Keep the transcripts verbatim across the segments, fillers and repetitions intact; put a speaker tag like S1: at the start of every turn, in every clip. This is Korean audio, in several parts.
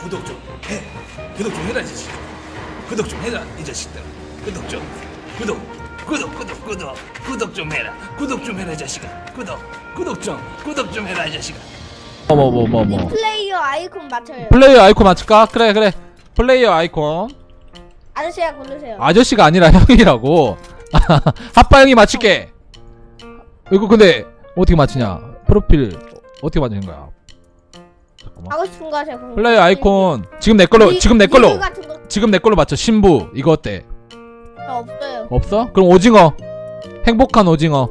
S1: 구독 좀 해. 구독 좀 해라 이 자식. 구독 좀 해라 이 자식들. 구독 좀. 구독. 구독 구독 구독 구독 좀 해라. 구독 좀 해라 이 자식아. 구독. 구독 좀. 구독 좀 해라 이 자식아.
S2: 뭐 뭐 뭐 뭐.
S3: 플레이어 아이콘 맞춰요.
S2: 플레이어 아이콘 맞출까? 그래 그래. 플레이어 아이콘.
S3: 아저씨가 고르세요.
S2: 아저씨가 아니라 형이라고. 아빠 형이 맞출게. 이거 근데 어떻게 맞추냐? 프로필 어떻게 맞추는 거야? 잠깐만.
S3: 하고 싶은 거 하세요. 그럼.
S2: 플레이어 아이콘 지금 내 걸로
S3: 리-
S2: 지금 내 걸로
S3: 리뷰 같은 거
S2: 지금 내 걸로 맞춰. 신부 이거 어때?
S3: 없어요.
S2: 없어? 그럼 오징어. 행복한 오징어.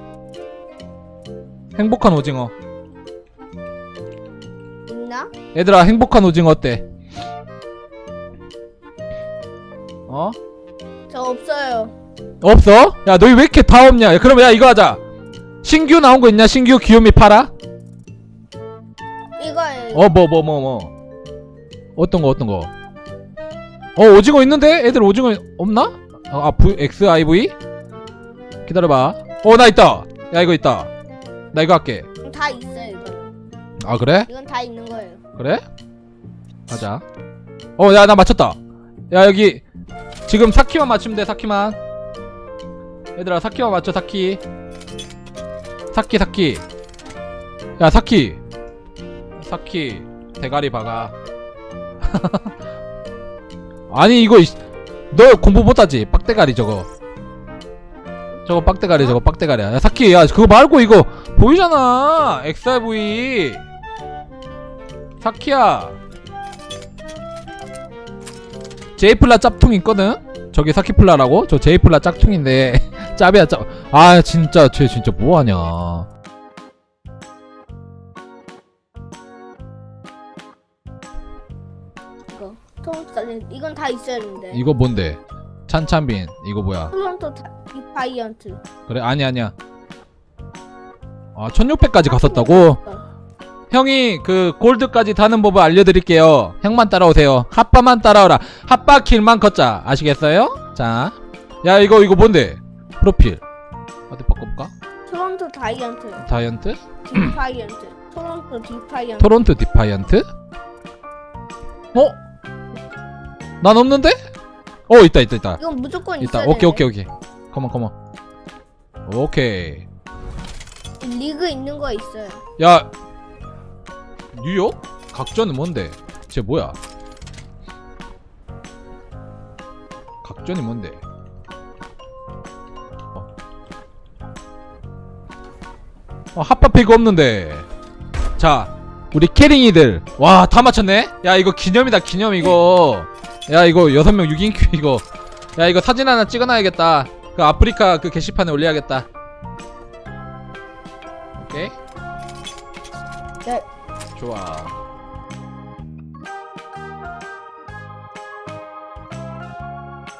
S2: 행복한 오징어.
S3: 있나?
S2: 얘들아 행복한 오징어 어때? 어?
S3: 저 없어요.
S2: 없어? 야 너희 왜 이렇게 다 없냐? 야, 그러면 야 이거 하자. 신규 나온 거 있냐? 신규 귀요미 팔아?
S3: 이거예요.
S2: 어 뭐 뭐 뭐 뭐 어떤 거 어떤 거? 어 오징어 있는데? 애들 오징어 없나? 아, 아 V, 엑스 아이 브이? 기다려봐. 어 나 있다. 야 이거 있다. 나 이거 할게.
S3: 다 있어요. 이거.
S2: 아 그래?
S3: 이건 다 있는 거예요.
S2: 그래? 가자. 어 야 나 맞췄다. 야 여기 지금 사키만 맞추면 돼. 사키만. 얘들아 사키만 맞춰. 사키. 사키 사키. 야 사키. 사키 대가리 박아. 아니 이거 너 공부 못하지? 빡대가리 저거. 저거 빡대가리 저거 빡대가리야. 야 사키 야 그거 말고 이거 보이잖아. 엑스 아이 브이. 사키야. 제이플라 짭퉁 있거든? 저기 사키플라라고? 저 제이플라 짝퉁인데 짭이야 짭. 아 진짜 쟤 진짜 뭐하냐.
S3: 이거. 토론토 이건 다 있어야 되는데.
S2: 이거 뭔데? 찬찬빈 이거 뭐야?
S3: 토론토 다- 디파이언트.
S2: 그래 아니 아니야. 아 천육백까지 갔었다고?
S3: 어.
S2: 형이 그 골드까지 다는 법을 알려드릴게요. 형만 따라오세요. 핫바만 따라오라. 핫바 킬만 걷자. 아시겠어요? 자, 야 이거 이거 뭔데? 프로필 어디 바꿔볼까?
S3: 토론토 다이언트.
S2: 다이언트?
S3: 디파이언트. 토론토 디파이언트.
S2: 토론토 디파이언트? 어? 난 없는데? 어 있다 있다 있다
S3: 이건 무조건
S2: 있다.
S3: 있어야
S2: 오케이
S3: 되네.
S2: 오케이 오케이. 컴온 컴온. 오케이.
S3: 리그 있는 거 있어요.
S2: 야 뉴욕? 각전은 뭔데? 쟤 뭐야? 각전이 뭔데? 어, 어 핫바피가 없는데. 자 우리 캐링이들 와 다 맞췄네? 야 이거 기념이다 기념 이거. 야 이거 여섯 명 육 인 큐 이거. 야 이거 사진 하나 찍어놔야겠다. 그 아프리카 그 게시판에 올려야겠다. 오케이?
S3: 네.
S2: 좋아.